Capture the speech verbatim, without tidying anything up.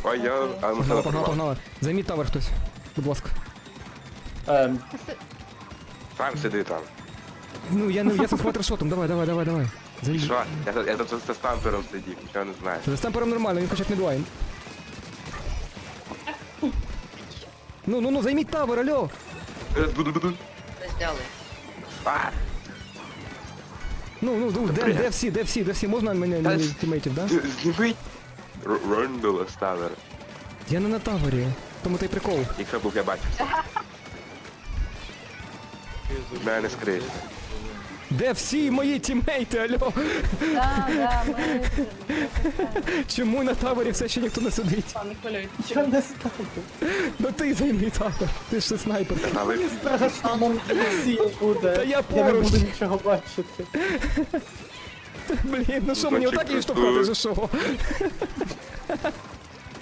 Ой, я... А, Погнали, машина погнали, погнали. Займіть тавер хтось. Будь ласка. Ем, Сам сиди там. Ну, я не я з хватершотом, давай, давай, давай, давай. І Займіть. що? Я, тут- я тут з стампером сидів, нічого не знаю. За стемпером нормально, він хоча б мідлайн. Ну, ну, ну, займіть тавер, алло! Е, Буду, буду. Не зняли. А, Ну, ну, ну, де, де всі, де всі, де всі, можна мене Та мені ж- тімейтів, да? з- зніми. Р- Рондола ставер. Я не на тавері, тому той прикол. Якщо був, я бачив. Мене не скрить. Де всі мої тімейти, алло? Да, да, ми... Чому на тавері все ще ніхто не сидить? Пане хвилюйтесь. що не стало? Ну ти займи тавер, ти ж снайпер. А ви... Страшно, нам всі буде. Та я Я не поруч. буду нічого бачити. Блін, ну що, мені Значить, отак її просто- штовхати, же що?